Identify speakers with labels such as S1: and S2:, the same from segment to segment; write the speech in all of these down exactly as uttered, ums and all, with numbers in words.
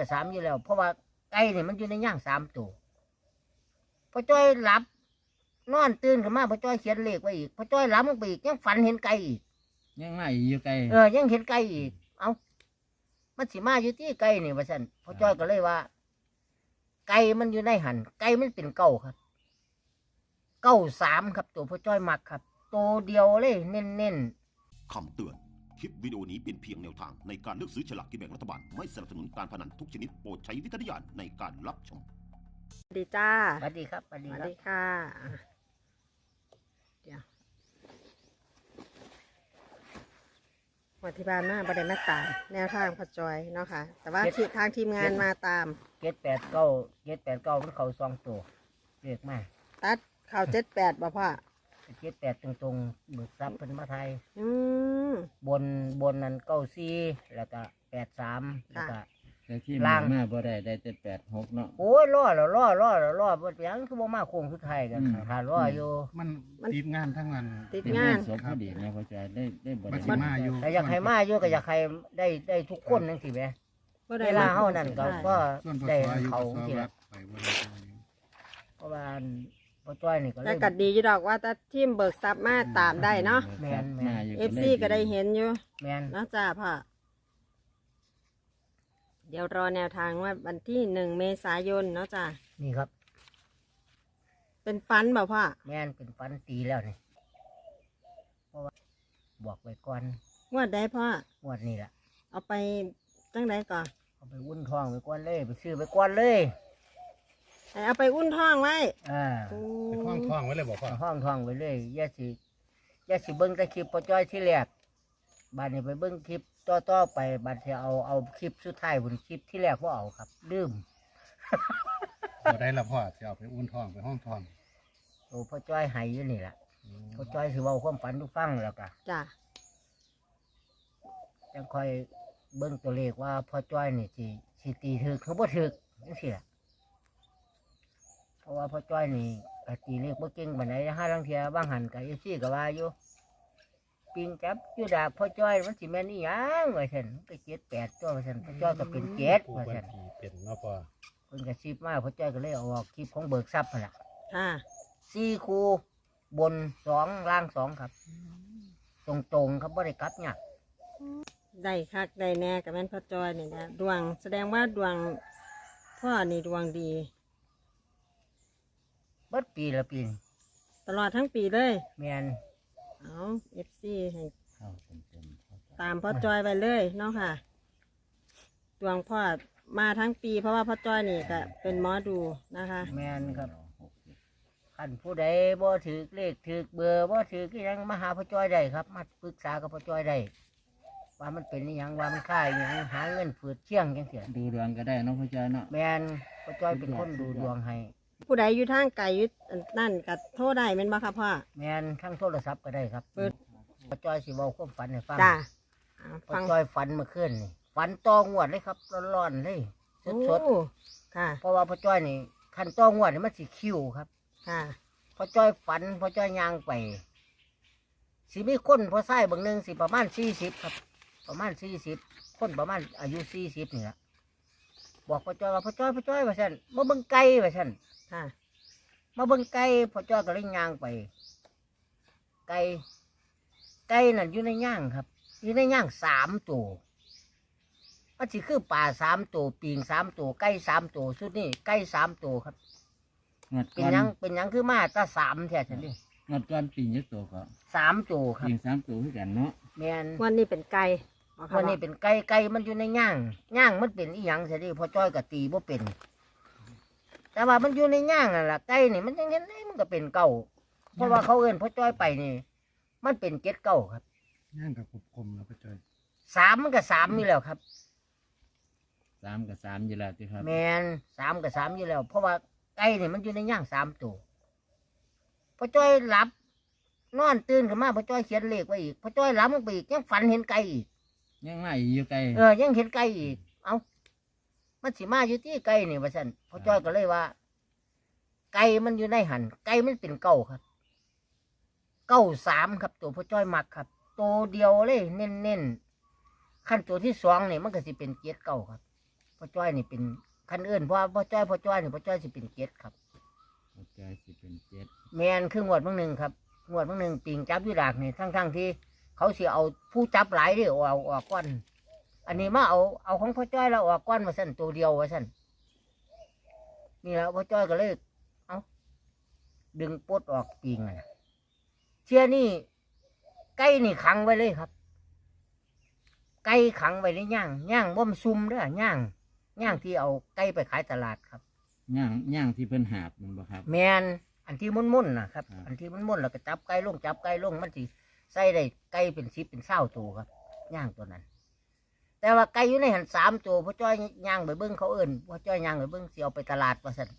S1: กับสามอยู่แล้วเพราะว่าไก่เนี่ยมันอยู่ในย่างสามตัวพอจ้อยหลับนอนตื่นขึ้นมาพอจ้อยเขียนเลขไว้อีกพอจ้อยหลับลงไปอีกยังฝันเห็นไก่อีก
S2: ยังไม่อยู่ไกล
S1: เออยังเห็นไก่อีกเอ้ามันสิมาอยู่ที่ไก่นี่ว่าซั่นพอจ้อยก็เลยว่าไก่มันอยู่ในหันไก่มันเป็นเก้าครับเก้าสามครับตัวพอจ้อยมักครับตัวเดียวเลยเน้นเน้น
S3: คำเตือนคลิปวิดีโอนี้เป็นเพียงแนวทางในการเลือกซื้อฉลากกินแบ่งรัฐบาลไม่สนับสนุนการพนันทุกชนิดโปรดใช้วิจารณญาณในการรับชม
S4: สวัสดีจ้า
S1: สวัสดีครับสวัสดี
S4: สวัส
S1: ครับ
S4: ดีค่ะเดี๋ยววันที่บ้านมาประเด็นมาตามแนวทางพอจอยเนาะค่ะแต่ว่าที่ทางทีมงานมาตาม
S1: เจ็ดแปดเก้าเจ็ดแปดเก้ามันเขาสองตัวเรียกมา
S4: ตัดข่าวเจ็ดแปดบ่พ่อ
S1: เจ็ดแปดตรงตรงๆเบิกทรัพย์เป็นมาไทย
S4: อืม
S1: บนบนนั้นเก้าสี่แล้วก็แปดสามแล้วก็
S2: แต่ที่มามาบ่ได้ได้แต่แปดหกเนาะ
S1: โอ้ยล่อแล้วล่อล่อแล้วล่อบ่ยังคือบ่มาโค้งสุดท้ายกันหาล่ออยู่
S5: มันติดงานทั้งนั้น
S4: ติดงาน
S2: ศพพอดีนะพ่อจอยได้ได้บ่
S5: บั
S2: ได้
S5: ดสิมาอยู่
S1: แต่อยากให้มาอยู่ก็อยากให้ได้ได้ทุกคนจังซี่แหม
S4: บ่ได้
S1: เวลาเฮานั่นก็ก็
S5: ส่วนพอ
S1: ได้
S5: ซอยอยู่
S1: เขา
S5: ก็ซอ
S1: ที่
S5: วั
S1: ละ
S5: ดไปบ่ได้
S1: เพราะว่าพ่อจ้อยนี่ก็เล
S4: แต่
S1: ย
S4: กัดดีอยู่ดอกว่าแต่ทีมเบิกทรัพย์มาตามได้เนาะ
S1: แม่นแม่น
S4: เอฟซีก็ได้เห็นอยู่
S1: แม่น
S4: นะจ้าพ่อเดี๋ยวรอแนวทางว่าวันที่หนึ่งเมษายนเนาะจ้า
S1: นี่ครับ
S4: เป็นฟันบ่พ่อ
S1: แม่นเป็นฟันตีแล้วนี่เพราะว่าบอกไว้ก่อน
S4: งวดได้พ่อง
S1: วดนี้ล่ะ
S4: เอาไปจังไดก่อน
S1: เอาไปวุ่นทองไปก่อนเลยไปซื้อไปก่อนเลย
S4: ให้เอาไปอุ้นท้องไว้
S1: อ่า
S4: โอ้
S5: ไปคล้องท้องไว้เลยบอกพ่อ
S1: เอาห้องทองไปเลยอย่าสิอย่าสิเบิ้งแต่คลิปพ่อจ้อยที่แรกบัดนี้ไปเบิ้งคลิปต่อต่อๆไปบัดจะเอาเอาคลิปสุดท้ายบนคลิปที่แรกว่าเอาครับลืม
S5: บ่ได้ละพ่อจะเอาไปอุ้นท้องไปห้องท้อง
S1: โอ้พ่อจ้อยใหายอยู่นี่แหละพ่อจ้อยสิเว้าความฝันทุกฟังแล้วก็
S4: จ้า
S1: ยังคอยเบิ้งตัวเลขว่าพ่อจ้อยนี่สิสิตีถึกเขาบ่ถึกจังซี่ล่ะเพราะว่าพ่อจ้อยนี่ก็ตีเลขบ่เก่งปานใดห้าลังเทียบางหันก็อีซี่ก็ว่าอยู่ปิงจับอยู่ดากพ่อจ้อยมันสิแม่นอีหยังว่าซั่นมันก็เจ็ดแปดตัวว่าซั่นพ่อจ้อยก็เป็นเจ็ด
S5: ผู้
S1: ว่า
S5: บั
S1: ซั่น
S5: ญชีเป็นเนาะพ่อ
S1: เพิ่นก็ซิบมาพ่อจ้อยก็เลยเอาออกคลิปของเบิกทรัพย์นั่นล่ะ
S4: ค่ะ
S1: สี่คูบนสองล่างสองครับ ตรงๆครับบ่ได้กลับยาก
S4: ได้คักได้แน่กับแม่นพ่อจอยนี่นะดวงแสดงว่าดวงพ่อนี่ดวงดี
S1: เบิดปีละปีนี่
S4: ตลอดทั้งปีเลย
S1: แม่น
S4: เอาเอฟซีให้
S2: เข้าเต็มๆ
S4: ตามพ่อจอยไปเลยเนาะค่ะ ดวงพ่อมาทั้งปี เพราะว่าพ่อจอยนี่ก็เป็นหมอดูนะคะ
S1: แม่นครับคันผู้ใดบ่ถือเลขถือเบอร์บ่ถือก็ยังมาหาพ่อจ้อยได้ครับ มาปรึกษากับพ่อจ้อยได้ว่ามันเป็นอหยังว่ามันค่าอหยังหาเงินฝืดเชี่ยงจังซี่
S2: ดูดวงก็ได้เนาะพ่อจอยเนาะ
S1: แม่นพ่อจ้อยเป็นคนดูดวงให้
S4: ผู้ใดอยู่ทางไกลอยู่นั่นก็โทษได้แม่นบ่ค่ะพ่อ
S1: แม่นทั้งโทรศัพท์ก็ได้ครับ
S4: เปิด
S1: พ่อจ้อยสิเว้าความฝันให้ฟัง
S4: จ้าเอา
S1: พ่อ
S4: ฟัง
S1: จ้อยฝันเมื่อคืนนี่ฝันต่องวดเลยครับร้อนๆเลย
S4: โอ้
S1: สด
S4: ค่ะ
S1: ๆเพราะว่าพ่อจ้อยนี่คันต่องวดนี่มันสิคิวครับ
S4: ค่ะ
S1: พ่อจ้อยฝันพ่อจ้อยย่างไปสิมีคนพ่อไส้บางหนึงสิประมาณสี่สิบครับ ประมาณสี่สิบคนประมาณอายุสี่สิบนี่แหละบอกพ่อจ้อยว่าพ่อจ้อยพ่อจ้อยว่าฉันมาเบิ่งไก่ว่าฉัน
S4: ค่ะ
S1: มาเบิ่งไก่พ่อจ้อยก็เลยย่างไป ไก่ไก่นั่นอยู่ในย่างครับ อยู่ในย่างสามตัวมันสิคือป่าสามตัวปีงสามตัวไก่สามตัวสุดนี่ไก่สามตัวครับ
S2: งวด
S1: เป็
S2: ก่
S1: น
S2: อน
S1: หยังเป็นหยังคือมาแตาสามแท้ฉันนี่
S2: งวดก่อนปีนยึดตัวก็
S1: สามตัวครับ
S2: ยิงสามตัวคือกันเนาะ
S1: แม่น
S4: วันนี้เป็นไก่บ่ค่ะ
S1: วันนี้เป็นไก่ไก่มันอยู่ในย่างย่างมันเป็นอีหยังสิพอจ้อยกับตีบ่เป็น แต่ว่ามันอยู่ในย่างนั่นล่ะไก่นี่มันยังเห็นได้มันก็เป็นเก่าเพราะว่าเขาเอิ้นพอจ้อยไปนี่ มันเป็นเจ็ดเก่าครับ
S5: ย่างกับกบคมแล้วพ่อจอย
S1: สามมันก็สามอยู่แล้วครับ
S2: สามกับสามอยู่แล้วที่ครับ
S1: แมนสามกับสามอยู่แล้ว เพราะว่าไก่นี่มันอยู่ในย่างสามตัวพอจ้อยหลับ นอนตื่นขึ้นมาพอจ้อยเขียนเลขไว้อีกพอจ้อยหลับลงไปอีกยังฝันเห็นไก่อีก
S2: ยังไม่อยู่ไกล
S1: เออยังเห็นไก่อีก เอ้ามันสิมาอยู่ที่ไก่นี่ว่าซั่นพ่อจ้อยก็เลยว่า ไก่มันอยู่ในหันไก่มันเป็นเก้าครับเก้าสามครับ ตัวพ่อจ้อยมักครับตัวเดียวเลยเน้นเน้นขั้นตัวที่สองนี่มันก็สิเป็นเจ็ดเก้าครับพ่อพ่อจ้อยนี่เป็นคันเอื่นเพราะว่าพ่อจ้อยพ่อจ้อยนี่พ่อจ้อยสิเป็นเจ็ดครับ
S2: หัวใจสิเป็นเจ็ด
S1: แมนคืองวดบางหนึ่งครับงวดบางหนึ่งปิงจับอยู่ดากนี่ทั้งทั้งๆที่เขาเสียเอาผู้จับหลายเด้อเอาออกก้อนอันนี้มาเอาเอาของพ่อจ้อยเราออกก้อนมาสั่นตัวเดียวว่าสั่นนี่แหล้วพ่อจ้อยก็เลยเอาดึงปลดออกปิงอะนะเชื่อนี่ไก่นี่ขังไว้เลยครับ ไก่ขังไว้ในย่างย่างบ่มซุ่มเด้อย่างย่างที่เอาไก่ไปขายตลาดครับ
S2: ย่างย่างที่เพิ่นหาบมันบ่ครับ
S1: แมนอันที่มุ่นๆนะครับ
S2: ครับ
S1: อันที่มุ่นๆแล้วก็จับไก่ลงจับไก่ลงมันสิใส่ได้ไก่เป็นสิบเป็นเศร้าตัวครับย่างตัวนั้น แต่ว่าไก่อยู่ในหันสามตัวพ่อจ้อยย่างไปเบิ้งเขาเอิ่นพ่อจ้อยย่างไปเบิ้งสิเอาไปตลาดว่าสั่น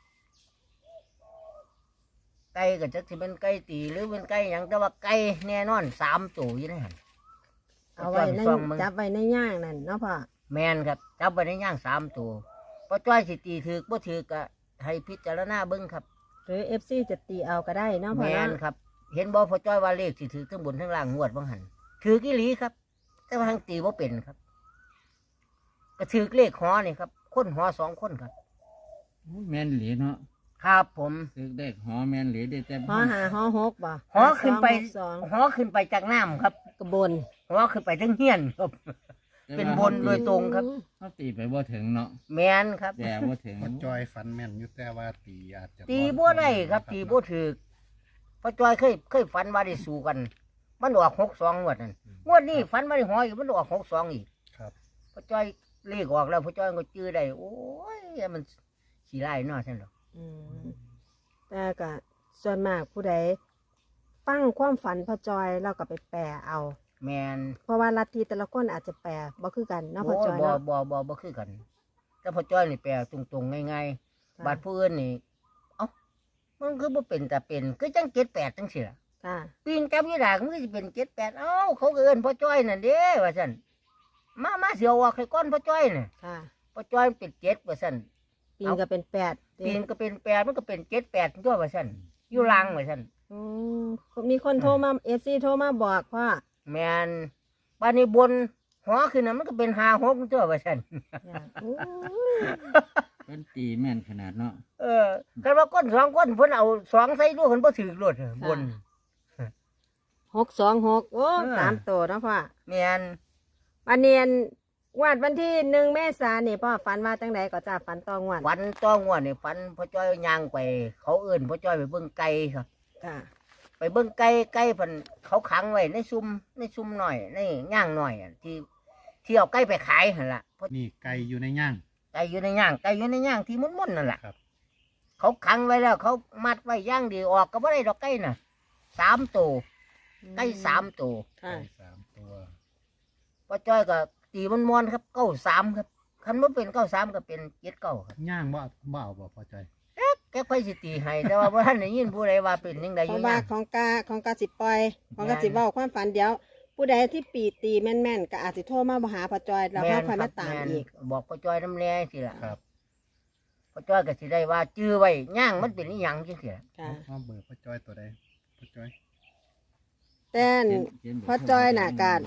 S1: ไก่ก็จะสิเป็นไก่ตีหรือเป็นไก่หยังแต่ว่าไก่แน่นอนสามตัวอยู่ในหัน
S4: เอาไว้ใน
S1: พ่จ้ยปซ่งมึง
S4: จับไว้ในย่างนั่นเนาะพ่อ
S1: แมนครับจับไปในย่างสามตัวพ่อจ้อยสิตีถือบ่ถือก็ให้พิจารณาเบิ้งครับ
S4: หรือเอฟซีจะตีเอาก็ได้เนาะพ่
S1: แม
S4: อเนาะ
S1: นครับ เห็นบ่พ่อจ้อยว่าเลขสิถือทั้งบนทั้งล่างงวดบางหันถือกี่หลีครับ แต่ว่าทางตีบ่เป็นครับ ก็ถือเลขหอนี่ครับคนหอสองคนครับ
S2: โอ้ยแม่นเหลีเนาะ
S1: ครับผม
S2: ตึกเด็กหอแม่นเหลีได้แต่
S4: หอหาหอหกบ่
S1: หอขึ้นไป
S4: สอง
S1: หอขึ้นไปจากน้ำครับ
S4: กระบน
S1: หอขึ้นไปทั้งเฮียนครับ
S2: แต่
S1: เป็น
S2: ว่า
S1: บนโดยตรงครับ
S2: เขาตีไปบ่ถึงเนาะ
S1: แมนครับ
S2: แต่บ่ถึง
S5: พ่อจอยฟันแม่นอยู่แต่ว่าตีอาจจะ
S1: ตีบ่ได้ครับ ตีบ่ถือพ่อจ้อยเคยเคยฝันว่าได้สู้กัน มันออกหกสองงวดนั่นงวดนี้ฝันว่าได้หออีกมันออกหกสองอีก
S5: ครับ
S1: พ่อจ้อยเลขออกแล้วพ่อจ้อยก็จื้อได้โอ้ยมันขี้ไล่เนาะใช่หรอ
S4: อืมแต่ก็ส่วนมากผู้ใดฟังความฝันพ่อจอยเราก็ไปแปลเอา
S1: แมน
S4: เพราะว่าลัทธิแต่ละคนอาจจะแปลบ่คือกันเนาะพ่อ
S1: โอ้
S4: จอย
S1: บ่
S4: เนาะ
S1: บ่บ่บ่คือกัน แต่พ่อจ้อยนี่แปลตรงๆง่ายๆ บาดผู้อื่นนี่เอ้ามันคือบ่เป็นแต่เป็นคือจังเจ็ดแปดจังสิล่ะ
S4: ค่ะ
S1: ปีนจับยี่ดากมันก็สิเป็นเจ็ดแปดเอ้าเขาก็เอิ้นพ่อจ้อยนั่นเด้ว่าซั่นมามาเสียวออกให้ก้อนพ่อจ้อยน่ะ
S4: ค่ะ
S1: พ่อจ้อยมันเป็นเจ็ดว่าซั่น
S4: ปีนก็เป็นแปด
S1: ปีนก็เป็นแปดมันก็เป็นเจ็ดแปดตัวว่าซั่นอยู่ล่างว่าซั่น
S4: อืมมีคนโทรมาเอฟซีโทรมาบอกว่า
S1: แม่นบานนี้บนหัวขึ้นน่ะมันก็เป็นห้าหกตัวว่าซั่น
S4: อยากอู้
S2: เพิ่นตีแม่นขนาดเนาะ
S1: เออคันว่าก้นสองก้นเพิ่นเอาสองใส่ลูกเพิ่นบ่ถือรถบน
S4: หกสองหกโอ้
S1: เออ
S4: สามตัวเนาะพ่อ
S1: แม่น
S4: วันเนียนงวดวันที่หนึ่งเมษายนนี่พ่อฝันว่าจังใดก็จะฝันตองวด
S1: ฝันต้องว่านี่ฝันพ่อจ้อยย่างไป เขาเอิ้นพ่อจ้อยไปเบิ่งไก่ครับ
S4: ค่ะ
S1: ไปเบิ่งไก่ไก่เพิ่นเขาขังไว้ในซุ้มในซุ้มหน่อยในย่างหน่อยอะที่ที่เอาไก่ไปขายหั่นล่ะเพราะ
S5: นี่ไก่อยู่ในย่าง
S1: ไก่อยู่ในย่างไก่อยู่ในย่างที่มุ่นๆนั่นแหละ
S5: ครับ
S1: เขาขังไว้แล้ว เขามัดไว้ย่างดีออกก็บ่ได้ดอกไก่น่ะสามตัวไก่สามตัว
S4: ค่ะ
S5: ไก่สามตัว
S1: พ่อจ้อยก็ตีมันมวนๆครับเก้าสามครับคันบ่เป็นเก้าสามก็เป็นเจ็ดเก้าครับ
S5: ย่างบ่บ่เอาบ่พ่อจอย
S1: แกค่อยสิตีให้แต่ว่าบ่ทันได้ยินผู้ใดว่าเป็นจังไดอ
S4: เพ
S1: ยู่
S4: ราะว่า
S1: ย่าง
S4: ของกาของกาสิปล่อยของกาสิเว้าความฝันเดียว ผู้ใดที่ปีตีแม่นๆก็อาจสิโทรมาบ่หาพ่อจอยแล้ว
S1: แม่
S4: เรา
S1: น
S4: ค่อย
S1: ครั
S4: มา
S1: บ
S4: ตาม
S1: แม่น
S4: อีก
S1: บอกพ่อจ้อยน้ำแน่สิล่ะ
S5: ครับ
S1: พ่อจ้อยก็สิได้ว่าจื้อไว้ย่างมันเป็นอีหยังจังซี่ล่ะ
S4: ค่ะ
S5: เอาเบอร์พ่อจอยตัวใดพ่อจอย
S4: แต่
S2: เขียนเขียนบท
S4: พ่อจอยน่ะการ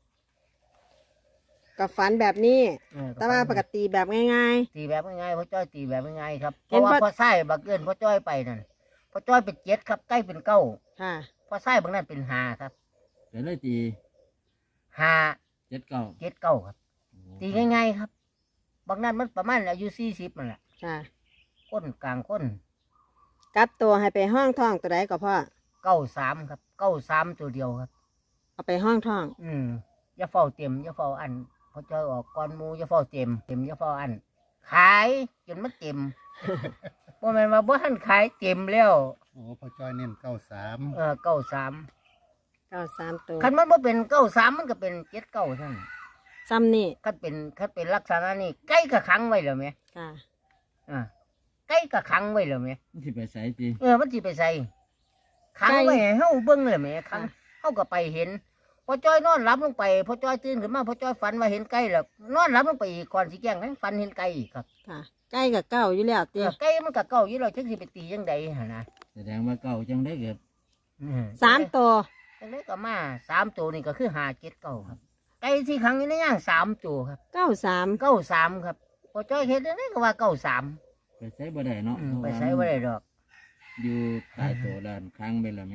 S4: กับฝันแบบนี้
S1: เออ
S4: แต่ว่าปกติแบบง่าย
S1: ตีแบบง่ายๆพ่อจ้อยตีแบบง่ายๆครับเพ
S4: เห็น
S1: ราะว่า
S4: พ่อ
S1: พ่อไส้บักเกินพ่อจ้อยไปนั่นพ่อจ้อยเป็นเจ็ดครับใกล้เป็นเก้า
S4: ๆ ค่ะ
S1: พ่อไส้บางนั้นเป็นห้าครับ
S2: เดี๋ยวเลยตี
S1: ห้า
S2: เจ็ดเก้า
S1: เจ็ดเก้าครับ ตีง่ายๆครับ บางนั้นมันประมาณอายุสี่สิบนั่นแหละ
S4: ค่ะ
S1: ก้นกลางก้น
S4: กลับตัวให้ไปห้องท่องตัวใดก็พ่อ
S1: เก้าสามครับเก้าสามตัวเดียวครับ
S4: เอาไปห้องท่อง
S1: อืมอย่าเฝ้าเต็มอย่าเฝ้าอันพ่อจ้อยออกก่อนหมูอย่าเฝ้าเต็มเต็มอย่าเฝ้าอัน ขายจนมันเต็ม บ่แม่นว่าบ่ทันขายเต็มแล้ว
S5: โอ้พ่อจอยเน้นเก้าสาม
S1: เออเก้าสาม
S4: เก้าสามตัว
S1: คันมันบ่เป็นเก้าสามมันก็เป็นเจ็ดเก้าท่าน
S4: ซ้ำนี่
S1: คันเป็นคันเป็นลักษณะนี้ไก่ก็ขังไว้แล้วแหม
S4: ค่ะ
S1: อ่าไก่ก็ขังไว้แล้วแหม
S2: มันสิไปใส่ตี
S1: เออมันสิไปใส่ขังไว้ให้เฮาเบิ่งเลยแหมขัง
S4: ค่ะ
S1: เฮาก็ไปเห็นพอจ้อยนอนหลับลงไปพอจ้อยตื่นขึ้นมาพอจ้อยฝันว่าเห็นไก่แล้วนอนหลับลงไปอีกก่อนสิแจ้งให้ฝันเห็นไก่อีกครับ
S4: ค่ะใกล้กับเก้าอยู่แล้ว
S1: เอ
S4: เตี้
S1: อย ไก่มันก็เก่าอยู่แล้วจังสิไปตีจังใดหั่นนะ
S2: แสดงว่าเก่าจังได้เกิด
S1: อื
S4: สามตัว
S1: จังไดก็มาสามตัวนี่ก็คือห้าเจ็ดเก้าครับไก่ที่ขังอยู่ในย่างสามตัวครับ
S4: เก้าสาม
S1: เก้าสามครับอจ้อยเฮ็ดได้ก็ว่าเก้าสาม
S2: ไปใช้บ่ได้เนาะ
S1: อืม
S2: เพราะ
S1: ไป
S2: ว่า
S1: ใช้บ่ได้ดอก
S2: อยู่ใต้ตัวด้านค้างไปแล้วแม่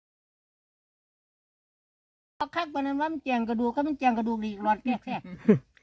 S1: คักปานนั้นว่ามันแจงกระดูกก็มันแจงกระดูกอีกหลอดแทรก